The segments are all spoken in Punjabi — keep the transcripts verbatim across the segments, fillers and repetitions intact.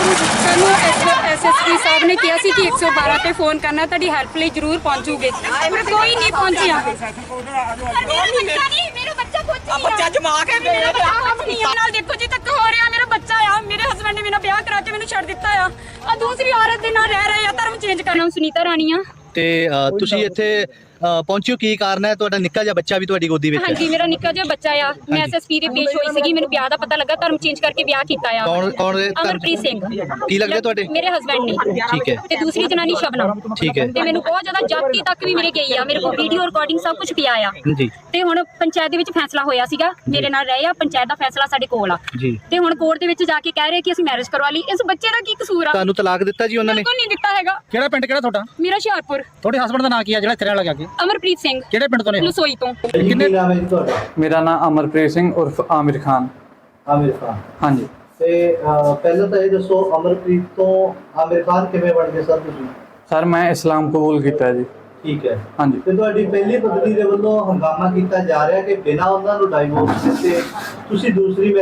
ਸਾਨੂੰ ਐਸਐਸਪੀ ਸਾਹਿਬ ਨੇ ਕਿਹਾ ਸੀ ਕਿ ਇੱਕ ਸੌ ਬਾਰਾਂ ਤੇ ਫੋਨ ਕਰਨਾ, ਤੁਹਾਡੀ ਹੈਲਪ ਲਈ ਜ਼ਰੂਰ ਪਹੁੰਚੂਗੇ। ਕੋਈ ਨਹੀਂ ਪਹੁੰਚਿਆ। ਮੇਰਾ ਬੱਚਾ ਕੁਝ ਬੱਚਾ ਜਮਾ ਕੇ ਮੇਰੇ ਨਾਲ ਦੇਖੋ ਜੀ ਤੱਕ ਹੋ ਰਿਹਾ। ਮੇਰਾ ਬੱਚਾ ਆ, ਮੇਰੇ ਹਸਬੰਡ ਨੇ ਮੇਰਾ ਵਿਆਹ ਕਰਾ ਕੇ ਮੈਨੂੰ ਛੱਡ ਦਿੱਤਾ ਆ। ਆ ਦੂਸਰੀ ਔਰਤ ਦੇ ਨਾਲ ਰਹਿ ਰਹੇ ਆ, ਧਰਮ ਚੇਂਜ ਕਰਨਾ। ਸੁਨੀਤਾ ਰਾਣੀ ਆ। ਤੇ ਤੁਸੀਂ ਇੱਥੇ ਪਹੁੰਚਿਓ, ਕੀ ਕਾਰਨ ਹੈ? ਤੁਹਾਡਾ ਨਿੱਕਾ ਜਿਹਾ ਬੱਚਾ ਵੀ ਤੁਹਾਡੀ ਗੋਦੀ ਵਿੱਚ ਹੈ? ਹਾਂਜੀ, ਮੇਰਾ ਨਿੱਕਾ ਜਿਹਾ ਬੱਚਾ ਆ। ਮੈਂ ਐਸਐਸਪੀ ਦੇ ਪੇਸ਼ ਹੋਈ ਸੀਗੀ, ਮੈਨੂੰ ਵਿਆਹ ਦਾ ਪਤਾ ਲੱਗਾ, ਧਰਮ ਚੇਂਜ ਕਰਕੇ ਵਿਆਹ ਕੀਤਾ ਆ। ਕੌਣ ਕੌਣ? ਅਮਰਪ੍ਰੀਤ ਸਿੰਘ। ਕੀ ਲੱਗਦੇ ਤੁਹਾਡੇ? ਮੇਰੇ ਹਸਬੰਡ ਨੇ। ਠੀਕ ਹੈ। ਤੇ ਦੂਸਰੀ ਜਨਾਨੀ ਸ਼ਬਨਮ। ਠੀਕ ਹੈ। ਤੇ ਮੈਨੂੰ ਬਹੁਤ ਜ਼ਿਆਦਾ ਜਾਤੀ ਤੱਕ ਵੀ ਮੇਰੇ ਗਈ ਆ, ਮੇਰੇ ਕੋਲ ਵੀਡੀਓ ਰਿਕਾਰਡਿੰਗ ਸਭ ਕੁਝ ਪਿਆ ਆ ਜੀ। ਤੇ ਹੁਣ ਪੰਚਾਇਤ ਦੇ ਵਿੱਚ ਫੈਸਲਾ ਹੋਇਆ ਸੀਗਾ, ਮੇਰੇ ਨਾਲ ਰਹੇ ਆ। ਪੰਚਾਇਤ ਦਾ ਫੈਸਲਾ ਸਾਡੇ ਕੋਲ ਆ ਜੀ। ਤੇ ਹੁਣ ਕੋਰਟ ਦੇ ਵਿੱਚ ਜਾ ਕੇ ਕਹਿ ਰਹੇ ਕਿ ਅਸੀਂ ਮੈਰਿਜ ਕਰਵਾ ਲਈ। ਇਸ ਬੱਚੇ ਦਾ ਕੀ ਕਸੂਰ ਆ? ਤੁਹਾਨੂੰ ਤਲਾਕ ਦਿੱਤਾ ਜੀ ਉਹਨਾਂ ਨੇ? ਬਿਲਕੁਲ ਨਹੀਂ ਦਿੱਤਾ ਹੈਗਾ। ਕਿਹੜਾ ਪਿੰਡ ਕਿਹੜਾ ਤੁਹਾਡਾ? ਮੇਰਾ ਹੁਸ਼ਿਆਰਪੁਰ। ਤੁਹਾਡੇ ਹਸਬੰਡ ਦਾ ਨਾਂ ਕੀ ਹੈ ਜਿਹੜਾ ਇੱਥੇ ਰਹਿਣ ਲੱਗਾ ਕੇ? ਅਮਰਪ੍ਰੀਤ ਸਿੰਘ। ਕਿਹੜੇ ਪਿੰਡ ਤੋਂ ਨੇ? ਲਸੋਈ ਤੋਂ। ਕਿੰਨੇ ਨਾਮ ਹੈ ਜੀ ਤੁਹਾਡਾ? ਮੇਰਾ ਨਾਮ ਅਮਰਪ੍ਰੀਤ ਸਿੰਘ ਉਰਫ ਆਮਿਰ ਖਾਨ। ਆਮਿਰ ਖਾਨ। ਹਾਂਜੀ। ਤੇ ਪਹਿਲਾਂ ਤਾਂ ਇਹ ਦੱਸੋ, ਅਮਰਪ੍ਰੀਤ ਤੋਂ ਆਮਿਰ ਖਾਨ ਕਿਵੇਂ ਬਣ ਗਏ ਸਰ ਤੁਸੀਂ? ਸਰ ਮੈਂ ਇਸਲਾਮ ਕਬੂਲ ਕੀਤਾ ਜੀ। ਠੀਕ ਹੈ। ਹਾਂਜੀ। ਤੇ ਤੁਹਾਡੀ ਪਹਿਲੀ ਪਤਨੀ ਦੇ ਵੱਲੋਂ ਹੰਗਾਮਾ ਕੀਤਾ ਜਾ ਰਿਹਾ ਕਿ ਬਿਨਾਂ ਉਹਨਾਂ ਨੂੰ ਡਾਈਵੋਰਸ ਦਿੱਤੇ ਤੁਸੀਂ ਦੂਸਰੀ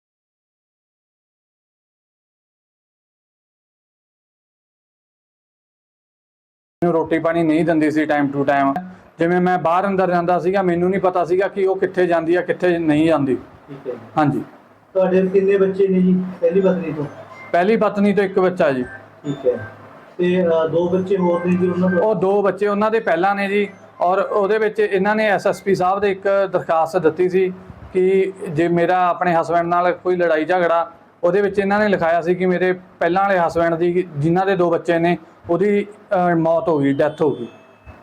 ਰੋਟੀ ਪਾਣੀ ਨਹੀਂ ਦਿੰਦੀ ਸੀ ਟਾਈਮ ਟੂ ਟਾਈਮ। ਜਿਵੇਂ ਮੈਂ ਬਾਹਰ ਅੰਦਰ ਜਾਂਦਾ ਸੀਗਾ, ਮੈਨੂੰ ਨਹੀਂ ਪਤਾ ਸੀਗਾ ਕਿ ਉਹ ਕਿੱਥੇ ਜਾਂਦੀ ਆ ਕਿੱਥੇ ਨਹੀਂ ਜਾਂਦੀ। ਠੀਕ ਹੈ। ਹਾਂਜੀ। ਤੁਹਾਡੇ ਕਿੰਨੇ ਬੱਚੇ ਨੇ ਜੀ ਪਹਿਲੀ ਪਤਨੀ ਤੋਂ? ਪਹਿਲੀ ਪਤਨੀ ਤੋਂ ਇੱਕ ਬੱਚਾ ਜੀ। ਠੀਕ ਹੈ। ਤੇ ਦੋ ਬੱਚੇ ਹੋਰ ਨੇ ਜੀ ਉਹਨਾਂ ਤੋਂ? ਉਹ ਦੋ ਬੱਚੇ ਉਹਨਾਂ ਦੇ ਪਹਿਲਾਂ ਨੇ ਜੀ, ਔਰ ਉਹਦੇ ਵਿੱਚ ਇਹਨਾਂ ਨੇ ਐਸਐਸਪੀ ਸਾਹਿਬ ਦੇ ਇੱਕ ਦਰਖਾਸਤ ਦਿੱਤੀ ਸੀ ਕਿ ਜੇ ਮੇਰਾ ਆਪਣੇ ਹਸਬੈਂਡ ਨਾਲ ਕੋਈ ਲੜਾਈ ਝਗੜਾ, ਉਹਦੇ ਵਿੱਚ ਇਹਨਾਂ ਨੇ ਲਿਖਾਇਆ ਸੀ ਕਿ ਮੇਰੇ ਪਹਿਲਾਂ ਵਾਲੇ ਹਸਬੈਂਡ ਦੀ ਜਿਨ੍ਹਾਂ ਦੇ ਦੋ ਬੱਚੇ ਨੇ ਉਹਦੀ ਮੌਤ ਹੋ ਗਈ, ਡੈਥ ਹੋ ਗਈ।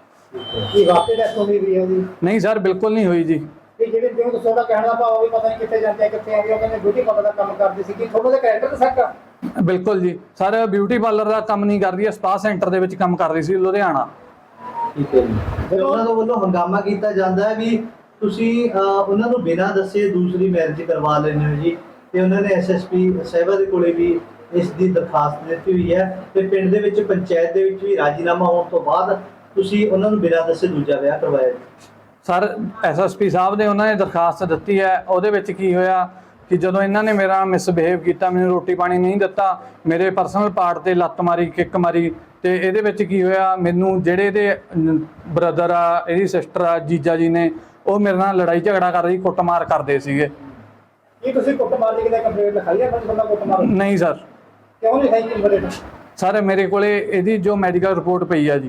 ਕੀ ਵਾਕਈ ਡੈਥ ਹੋ ਗਈ ਹੈ ਜੀ? ਨਹੀਂ ਸਰ, ਬਿਲਕੁਲ ਨਹੀਂ ਹੋਈ ਜੀ। ਇਹ ਜਿਹੜੇ ਜਿਵੇਂ ਤੁਸੀਂ ਦਾ ਕਹਿਣ ਦਾ ਭਾਵ ਵੀ ਪਤਾ ਨਹੀਂ ਕਿੱਥੇ ਜਾਂਦੇ ਕਿੱਥੇ ਆਉਂਦੇ, ਉਹ ਕਹਿੰਦੇ ਬਿਊਟੀ ਪਾਰਲਰ ਦਾ ਕੰਮ ਕਰਦੇ ਸੀ। ਕਿ ਤੁਹਾਨੂੰ ਦੇ ਕੈਰੈਕਟਰ ਤੇ ਸ਼ੱਕ ਆ? ਬਿਲਕੁਲ ਜੀ ਸਰ, ਬਿਊਟੀ ਪਾਰਲਰ ਦਾ ਕੰਮ ਨਹੀਂ ਕਰਦੀ ਹੈ, ਸਪਾ ਸੈਂਟਰ ਦੇ ਵਿੱਚ ਕੰਮ ਕਰ ਰਹੀ ਸੀ ਲੁਧਿਆਣਾ। ਠੀਕ ਹੈ ਜੀ। ਤੇ ਉਹਨਾਂ ਦੇ ਵੱਲੋਂ ਹੰਗਾਮਾ ਕੀਤਾ ਜਾਂਦਾ ਹੈ ਵੀ ਤੁਸੀਂ ਉਹਨਾਂ ਨੂੰ ਬਿਨਾਂ ਦੱਸੇ ਦੂਸਰੀ ਮੈਰਿਜ ਕਰਵਾ ਲੈਂਦੇ ਹੋ ਜੀ। ਤੇ ਉਹਨਾਂ ਨੇ ਐਸਐਸਪੀ ਸਾਹਿਬਾ ਦੇ ਕੋਲੇ ਵੀ ਇਸ ਦੀ ਦਰਖਾਸਤ ਦਿੱਤੀ ਹੋਈ ਹੈ ਤੇ ਪਿੰਡ ਦੇ ਵਿੱਚ ਪੰਚਾਇਤ ਦੇ ਵਿੱਚ ਵੀ ਰਾਜੀਨਾਮਾ ਹੋਣ ਤੋਂ ਬਾਅਦ ਤੁਸੀਂ ਉਹਨਾਂ ਨੂੰ ਬਿਨਾਂ ਦੱਸੇ ਦੂਜਾ ਵਿਆਹ ਕਰਵਾਇਆ। ਸਰ ਐਸਐਸਪੀ ਸਾਹਿਬ ਨੇ ਉਹਨਾਂ ਨੇ ਦਰਖਾਸਤ ਦਿੱਤੀ ਹੈ, ਉਹਦੇ ਵਿੱਚ ਕੀ ਹੋਇਆ ਕਿ ਜਦੋਂ ਇਹਨਾਂ ਨੇ ਮੇਰਾ ਮਿਸਬਿਹੇਵ ਕੀਤਾ, ਮੈਨੂੰ ਰੋਟੀ ਪਾਣੀ ਨਹੀਂ ਦਿੱਤਾ, ਮੇਰੇ ਪਰਸਨਲ ਪਾਰਟ ਤੇ ਲੱਤ ਮਾਰੀ, ਕਿੱਕ ਮਾਰੀ, ਤੇ ਇਹਦੇ ਵਿੱਚ ਕੀ ਹੋਇਆ, ਮੈਨੂੰ ਜਿਹੜੇ ਇਹਦੇ ਬ੍ਰਦਰ ਆ, ਇਹਦੀ ਸਿਸਟਰ ਆ, ਜੀਜਾ ਜੀ ਨੇ, ਉਹ ਮੇਰੇ ਨਾਲ ਲੜਾਈ ਝਗੜਾ ਕਰਦੇ ਸੀ, ਕੁੱਟਮਾਰ ਕਰਦੇ ਸੀਗੇ। ਕੀ ਤੁਸੀਂ ਕੁੱਟਮਾਰ ਦੀ ਕਿਤੇ ਕੰਪਲੇਂਟ ਲਿਖਾਈ ਹੈ? ਬੰਦਾ ਕੁੱਟਮਾਰ ਨਹੀਂ ਸਰ। ਕਿਉਂ ਨਹੀਂ ਲਿਖਾਈ ਜੀ? ਬਰੇ ਸਰ ਮੇਰੇ ਕੋਲੇ ਇਹਦੀ ਜੋ ਮੈਡੀਕਲ ਰਿਪੋਰਟ ਪਈ ਆ ਜੀ।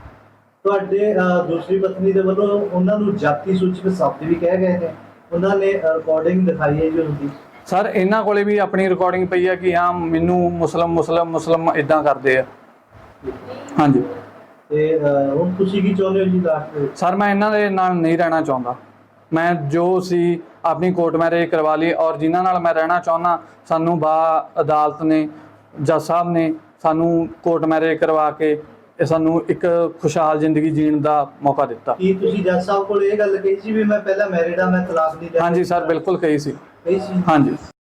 ਤੁਹਾਡੇ ਦੂਸਰੀ ਪਤਨੀ ਦੇ ਵੱਲੋਂ ਉਹਨਾਂ ਨੂੰ ਜਾਤੀ ਸੂਚਕ ਸ਼ਬਦ ਵੀ ਕਹਿ ਗਏ ਨੇ, ਉਹਨਾਂ ਨੇ ਰਿਕਾਰਡਿੰਗ ਦਿਖਾਈ ਹੈ ਜੀ ਉਹਦੀ। ਸਰ ਇਹਨਾਂ ਕੋਲੇ ਵੀ ਆਪਣੀ ਰਿਕਾਰਡਿੰਗ ਪਈ ਆ ਕਿ ਹਾਂ ਮੈਨੂੰ ਮੁਸਲਮ ਮੁਸਲਮ ਮੁਸਲਮ ਇਦਾਂ ਕਰਦੇ ਆ। ਹਾਂਜੀ। ਤੇ ਹੁਣ ਤੁਸੀਂ ਕੀ ਚਾਹੁੰਦੇ ਹੋ ਜੀ ਲਾਸਟ ਵਿੱਚ? ਸਰ ਮੈਂ ਇਹਨਾਂ ਦੇ ਨਾਲ ਨਹੀਂ ਰਹਿਣਾ ਚਾਹੁੰਦਾ। ਮੈਂ ਜੋ ਸੀ ਆਪਣੀ ਕੋਰਟ ਮੈਰਿਜ ਕਰਵਾ ਲਈ, ਔਰ ਜਿਨ੍ਹਾਂ ਨਾਲ ਮੈਂ ਰਹਿਣਾ ਚਾਹੁੰਦਾ ਸਾਨੂੰ ਬਾ ਅਦਾਲਤ ਨੇ, ਜੱਜ ਸਾਹਿਬ ਨੇ ਸਾਨੂੰ ਕੋਰਟ ਮੈਰਿਜ ਕਰਵਾ ਕੇ ਸਾਨੂੰ ਇੱਕ ਖੁਸ਼ਹਾਲ ਜ਼ਿੰਦਗੀ ਜੀਣ ਦਾ ਮੌਕਾ ਦਿੱਤਾ। ਕੀ ਤੁਸੀਂ ਜੱਜ ਸਾਹਿਬ ਕੋਲ ਇਹ ਗੱਲ ਕਹੀ ਸੀ ਵੀ ਮੈਂ ਪਹਿਲਾਂ ਮੈਰਿਡ ਆ, ਮੈਂ ਤਲਾਕ ਨਹੀਂ ਲੈਣਾ? ਹਾਂਜੀ ਸਰ, ਬਿਲਕੁਲ ਕਹੀ ਸੀ। ਕਹੀ ਸੀ? ਹਾਂਜੀ।